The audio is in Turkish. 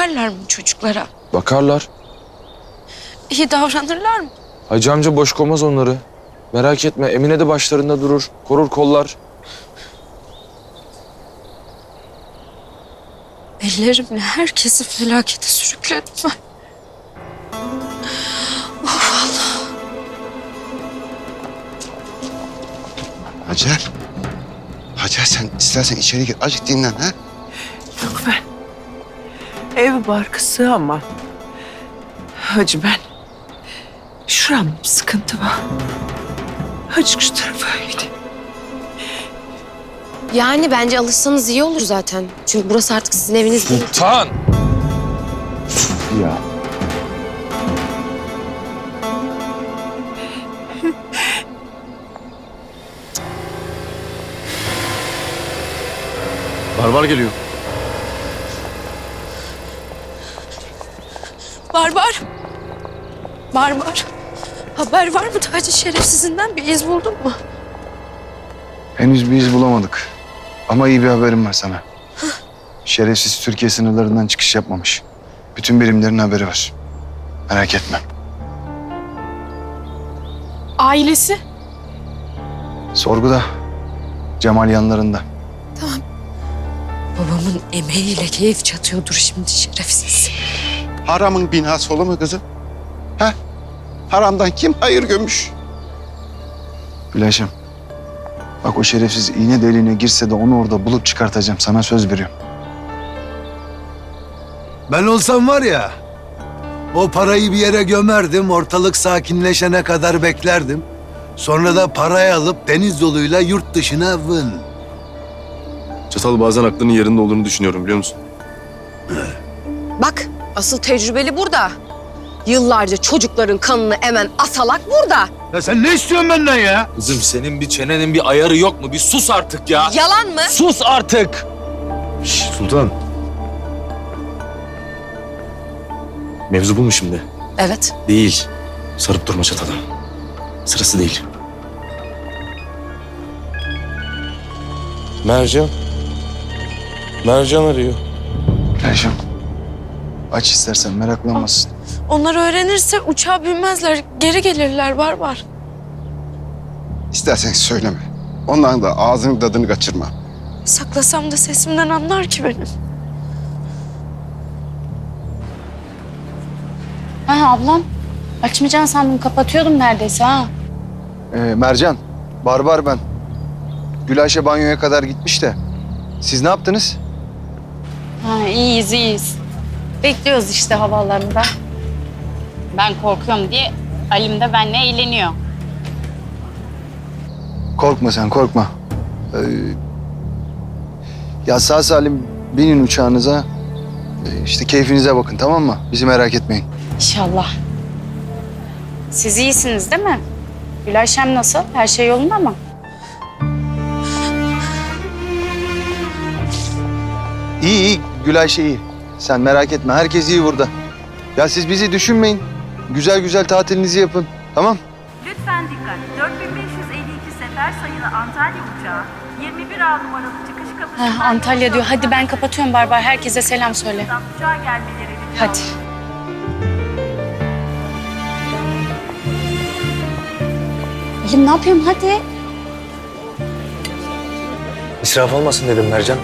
bakarlar mı çocuklara? Bakarlar. İyi davranırlar mı? Hacı amca boş koymaz onları. Merak etme, Emine de başlarında durur. Korur kollar. Ellerimle herkesi felakete sürükledim ben. Hacer. Hacer sen istersen içeri gir. Azıcık dinlen ha. Yok ben. Ev barkısı ama. Hacı ben. Şuram sıkıntı var. Azıcık şu tarafa gideyim. Yani bence alışsanız iyi olur zaten. Çünkü burası artık sizin eviniz değil. Sultan! Ya. Barbar geliyor. Barbar. Barbar. Haber var mı Taci şerefsizinden? Bir iz buldun mu? Henüz bir iz bulamadık. Ama iyi bir haberim var sana. Şerefsiz Türkiye sınırlarından çıkış yapmamış. Bütün birimlerin haberi var. Merak etme. Ailesi? Sorguda. Cemal yanlarında. Babamın emeğiyle keyif çatıyordur şimdi şerefsiz. Haramın binası olur mu kızım? Ha? Haramdan kim hayır gömüş? Gülayşem. Bak o şerefsiz iğne deliğine girse de onu orada bulup çıkartacağım. Sana söz veriyorum. Ben olsam var ya, o parayı bir yere gömerdim, ortalık sakinleşene kadar beklerdim. Sonra da parayı alıp deniz yoluyla yurt dışına vın. Çatal bazen aklının yerinde olduğunu düşünüyorum biliyor musun? Bak asıl tecrübeli burada. Yıllarca çocukların kanını emen asalak burada. Ya sen ne istiyorsun benden ya? Kızım senin bir çenenin bir ayarı yok mu? Bir sus artık ya. Yalan mı? Sus artık! Sultan. Mevzu bu mu şimdi? Evet. Değil. Sarıp durma çatala. Sırası değil. Mercan. Mercan arıyor. Gülayşem. Aç istersen meraklanmasın. Onlar öğrenirse uçağa binmezler. Geri gelirler Barbar. İstersen söyleme. Onların da ağzının tadını kaçırma. Saklasam da sesimden anlar ki benim. Ha ablam. Açmayacaksın sandım. Kapatıyordum neredeyse ha. Mercan. Barbar ben. Gülayşe banyoya kadar gitmiş de. Siz ne yaptınız? Ha iyiyiz iyiyiz. Bekliyoruz işte havalarında. Ben korkuyorum diye Alim de benimle eğleniyor. Korkma sen korkma. Ya sağ salim binin uçağınıza. İşte keyfinize bakın tamam mı? Bizi merak etmeyin. İnşallah. Siz iyisiniz değil mi? Gülayşem nasıl? Her şey yolunda mı? İyi iyi Gülayşe iyi. Sen merak etme herkes iyi burada. Ya siz bizi düşünmeyin. Güzel güzel tatilinizi yapın. Tamam? Lütfen dikkat. 4552 sefer sayılı Antalya uçağı 21A numaralı çıkış kapısından... Ha, Antalya diyor. Hadi ben kapatıyorum Barbar. Herkese selam söyle. Uçağa gelmeleri rica Hadi. Alim ne yapıyorum? Hadi. İsraf olmasın dedim Mercan.